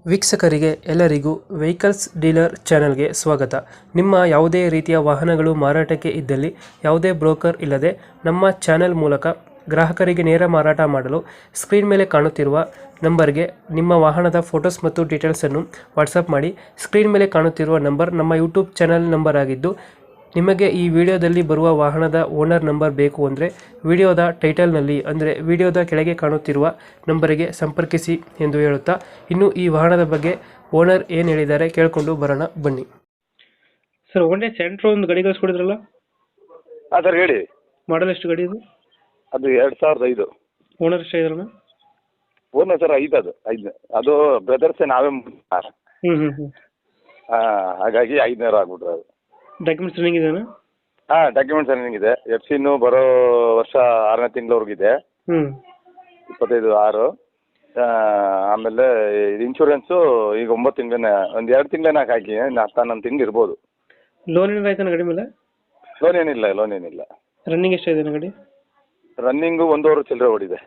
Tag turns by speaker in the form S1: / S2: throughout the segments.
S1: ವೀಕ್ಷಕರಿಗೆ ಎಲ್ಲರಿಗೂ vehicles dealer ಚಾನೆಲ್ಗೆ ಸ್ವಾಗತ. ನಿಮ್ಮ ಯಾವುದೇ ರೀತಿಯ ವಾಹನಗಳು ಮಾರಾಟಕ್ಕೆ ಇದ್ದಲ್ಲಿ ಯಾವುದೇ ಬ್ರೋಕರ್ ಇಲ್ಲದೆ ನಮ್ಮ ಚಾನೆಲ್ ಮೂಲಕ ಗ್ರಾಹಕರಿಗೆ ನೇರ ಮಾರಾಟ ಮಾಡಲು ಸ್ಕ್ರೀನ್ ಮೇಲೆ ಕಾಣುತ್ತಿರುವ ನಂಬರ್ಗೆ ನಿಮ್ಮ ವಾಹನದ ಫೋಟೋಸ್ ಮತ್ತು ಡೀಟೇಲ್ಸನ್ನು ವಾಟ್ಸಪ್ ಮಾಡಿ. ಸ್ಕ್ರೀನ್ ಮೇಲೆ ಕಾಣುತ್ತಿರುವ ನಂಬರ್ ನಮ್ಮ ಯೂಟ್ಯೂಬ್ ಚಾನೆಲ್ ನಂಬರ್ ಆಗಿದ್ದು, ನಿಮಗೆ ಈ ವಿಡಿಯೋದಲ್ಲಿ ಬರುವ ವಾಹನದ ಓನರ್ ನಂಬರ್ ಬೇಕು ಅಂದರೆ ವಿಡಿಯೋದ ಟೈಟಲ್ನಲ್ಲಿ ಅಂದರೆ ವಿಡಿಯೋದ ಕೆಳಗೆ ಕಾಣುತ್ತಿರುವ ನಂಬರಿಗೆ ಸಂಪರ್ಕಿಸಿ ಎಂದು ಹೇಳುತ್ತಾ, ಇನ್ನು ಈ ವಾಹನದ ಬಗ್ಗೆ ಓನರ್ ಏನು ಹೇಳಿದ್ದಾರೆ ಕೇಳಿಕೊಂಡು ಬರೋಣ ಬನ್ನಿ. ಸರ್, ಒಳ್ಳೆ ಸೆಂಟ್ರೋ ಒಂದು ಗಾಡಿ ಕಳಿಸ್ಕೊಡಿದ್ರಲ್ಲ,
S2: ಹಾಂ ಸರ್ ಹೇಳಿ.
S1: ಮಾಡಲ್ ಎಷ್ಟು ಗಾಡಿ ಇದು?
S2: ಅದು 2005.
S1: ಓನರ್ ಎಷ್ಟು ಇದ್ರಲ್ಲ?
S2: ಓನರ್ ಸರ್ 5 ಅದು ಬ್ರದರ್ಸೇ, ನಾವೇ ಹಾಗಾಗಿ 500 ಆಗ್ಬಿಟ್ರು ಅದು.
S1: ಡಾಕ್ಯುಮೆಂಟ್ಸ್ ರನ್ನಿಂಗ್ ಇದೆಯಾ?
S2: ಹಾಂ, ಡಾಕ್ಯುಮೆಂಟ್ಸ್ ರನ್ನಿಂಗ್ ಇದೆ. FC ಬರೋ ವರ್ಷ 6ನೇ ತಿಂಗಳವರೆಗಿದೆ, 25/6. ಆಮೇಲೆ ಇನ್ಶೂರೆನ್ಸು ಈಗ 9 ತಿಂಗಳೇ, ಒಂದು 2 ತಿಂಗಳೇ ಹಾಕಿ 10 ತಿಂಗಳು ಇರ್ಬೋದು.
S1: ಲೋನ್ ಏನಾದ್ರು ಆಯ್ತಾನ ಗಾಡಿ ಮೇಲೆ?
S2: ಲೋನ್ ಏನಿಲ್ಲ.
S1: ರನ್ನಿಂಗ್ ಎಷ್ಟಾಗಿದೆ ಗಾಡಿ?
S2: ರನ್ನಿಂಗು 1.5 ಚಿಲ್ಲರೆ ಓಡಿದೆ.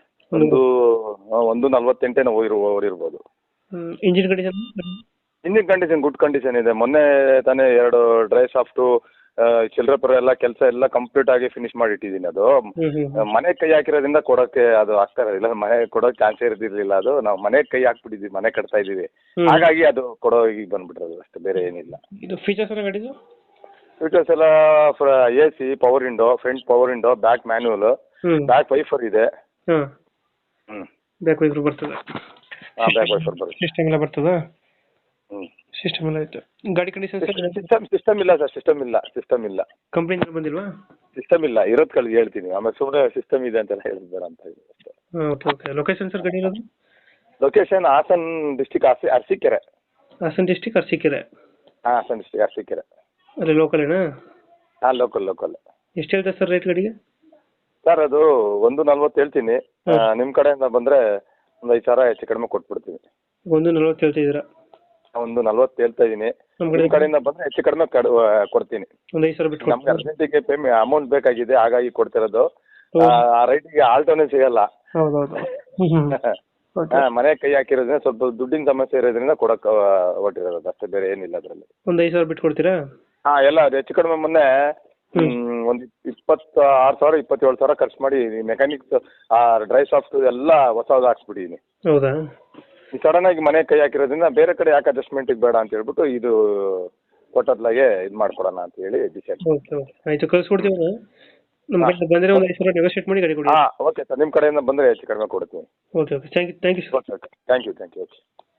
S2: 1:48 ಓಡಿರ್ಬೋದು.
S1: Engine condition?
S2: Engine condition good condition ಇದೆ. ಮೊನ್ನೆ ತಾನೇ 2 ಡ್ರೈ ಸಾಫ್ಟು ಚಿಲ್ಲರೆ ಪರ ಎಲ್ಲ ಕೆಲಸ ಎಲ್ಲ ಕಂಪ್ಲೀಟ್ ಆಗಿ ಫಿನಿಶ್ ಮಾಡಿ ಇಟ್ಟಿದ್ದೀನಿ. ಅದು ಮನೆ ಕೈ ಹಾಕಿರೋದ್ರಿಂದ ಕೊಡೋಕ್ಕೆ ಅದು ಆಗ್ತಾ ಇಲ್ಲ, ಮನೆ ಕೊಡೋಕೆ ಚಾನ್ಸೇ ಇರ್ದಿರ್ಲಿಲ್ಲ. ಅದು ನಾವು ಮನೆ ಕೈ ಹಾಕ್ಬಿಟ್ಟಿದ್ವಿ, ಮನೆ ಕಟ್ತಾ ಇದ್ದೀವಿ, ಹಾಗಾಗಿ ಅದು ಕೊಡೋ ಈಗ ಬಂದ್ಬಿಟ್ರದು ಅಷ್ಟೇ, ಬೇರೆ ಏನಿಲ್ಲ.
S1: ಇದು ಫೀಚರ್ಸ್ ಎಲ್ಲ ಗಾಡಿದು?
S2: ಫೀಚರ್ಸ್ ಎಲ್ಲ AC, power window, front power window, back manual, back wiper ಇದೆ.
S1: ಬ್ಯಾಕ್ ವೈಫರ್ ಬರ್ತದೆ?
S2: ಬ್ಯಾಕ್ ವೈಫರ್ ಬರುತ್ತೆ.
S1: ಸಿಸ್ಟಮ್ ಎಲ್ಲ ಬರ್ತದಾ? ಸಿಸ್ಟಮ್ ಎಲ್ಲ ಆಯ್ತು. ಗಾಡಿ ಕಂಡೀಷನ್?
S2: ಸಿಸ್ಟಮ್ ಇಲ್ಲ ಸರ್, ಸಿಸ್ಟಮ್ ಇಲ್ಲ.
S1: ಕಂಪ್ನಿಯಿಂದ ಬಂದಿಲ್ವಾ?
S2: ಸಿಸ್ಟಮ್ ಇಲ್ಲ, ಇರೋದು ಕಳ್ಳಿ ಹೇಳ್ತೀನಿ, ಆಮೇಲೆ ಸುಮ್ಮನೆ ಸಿಸ್ಟಮ್ ಇದೆ ಅಂತೆಲ್ಲ ಹೇಳಿದ್ಬೇಡ ಅಂತ ಹೇಳಿ ಅಷ್ಟೇ.
S1: ಓಕೆ. ಲೊಕೇಶನ್ ಸರ್ ಗಾಡಿ ಇರೋದು?
S2: Location Hassan district, Arasikere.
S1: Hassan district Arasikere?
S2: ಹಾಂ, ಹಾಸನ್ ಡಿಸ್ಟಿಕ್ ಅರಸೀಕೆರೆ.
S1: ಅಲ್ಲಿ ಲೋಕಲ್ ಏನಾ?
S2: ಹಾಂ, ಲೋಕಲ್.
S1: ಎಷ್ಟು ಹೇಳ್ತಾರೆ ಸರ್ ರೇಟ್ ಗಾಡಿಗೆ?
S2: ಸರ್ ಅದು 1:40 ಹೇಳ್ತೀನಿ. ನಿಮ್ಮ ಕಡೆಯಿಂದ ಬಂದರೆ ಒಂದು 5,000 ಹೆಚ್ಚು ಕಡಿಮೆ ಕೊಟ್ಬಿಡ್ತೀನಿ.
S1: 1:40 ಹೇಳ್ತಿದ್ದೀರಾ?
S2: 1:40 ಹೇಳ್ತಾ ಇದ್ದೀನಿ. ನಿಮ್ಮ ಕಡೆಯಿಂದ ಬಂದರೆ ಹೆಚ್ಚು ಕಡಿಮೆ ಕೊಡ್ತೀನಿ.
S1: ಒಂದು 5,000 ಬಿಟ್ಟು
S2: ನಮ್ಗೆ ಅರ್ಜೆಂಟಿಗೆ ಅಮೌಂಟ್ ಬೇಕಾಗಿದೆ, ಹಾಗಾಗಿ ಕೊಡ್ತಿರೋದು. ಆ ರೈಟಿಗೆ ಆಲ್ಟೋನೇ ಸಿಗಲ್ಲ.
S1: ಹೌದೌದು.
S2: ಮನೆ ಕೈ ಹಾಕಿರೋದ್ರಿಂದ ಸ್ವಲ್ಪ ದುಡ್ಡಿನ ಸಮಸ್ಯೆ ಇರೋದ್ರಿಂದ ಕೊಡಕ್ಕೆ ಹೊಟ್ಟಿರೋದು ಅಷ್ಟೇ, ಬೇರೆ ಏನಿಲ್ಲ ಅದರಲ್ಲಿ.
S1: ಒಂದು 5,000 ಬಿಟ್ಟು ಕೊಡ್ತೀರಾ?
S2: ಹಾಂ, ಎಲ್ಲ ಅದು ಹೆಚ್ಚು ಕಡಿಮೆ. ಮೊನ್ನೆ ಒಂದು 26,000 27,000 ಖರ್ಚು ಮಾಡಿ ಮೆಕ್ಯಾನಿಕ್ಸ್ ಡ್ರೈ ಸಾಫ್ಟ್ ಎಲ್ಲ ಹೊಸದು ಹಾಕ್ಸ್ಬಿಟ್ಟಿದ್ದೀನಿ.
S1: ಹೌದಾ?
S2: ಈ ಸಡನ್ ಆಗಿ ಮನೆ ಕೈ ಹಾಕಿರೋದ್ರಿಂದ ಬೇರೆ ಕಡೆ ಯಾಕೆ ಅಡ್ಜಸ್ಟ್ಮೆಂಟಿಗೆ ಬೇಡ ಅಂತ ಹೇಳ್ಬಿಟ್ಟು ಇದು ಕೊಟ್ಟದ್ಲಾಗೆ ಇದು ಮಾಡ್ಕೊಡೋಣ ಅಂತ ಹೇಳಿ ಡಿಸೈಡ್.
S1: ಓಕೆ ಆಯಿತು, ಕಳಿಸ್ಕೊಡ್ತೀವಿ. ನಮ್ಮ ಕಡೆ ಬಂದರೆ ಒಂದು 5,000 ನೆಗೋಷಿಯೇಟ್ ಮಾಡಿ ಗಾಡಿ ಕೊಡಿ.
S2: ಹಾಂ, ಓಕೆ ಸರ್, ನಿಮ್ಮ ಕಡೆಯಿಂದ ಬಂದರೆ ಹೆಚ್ಚು ಕಡಿಮೆ ಕೊಡ್ತೀನಿ.
S1: Okay. Thank you sir.
S2: Okay. Thank you. Okay.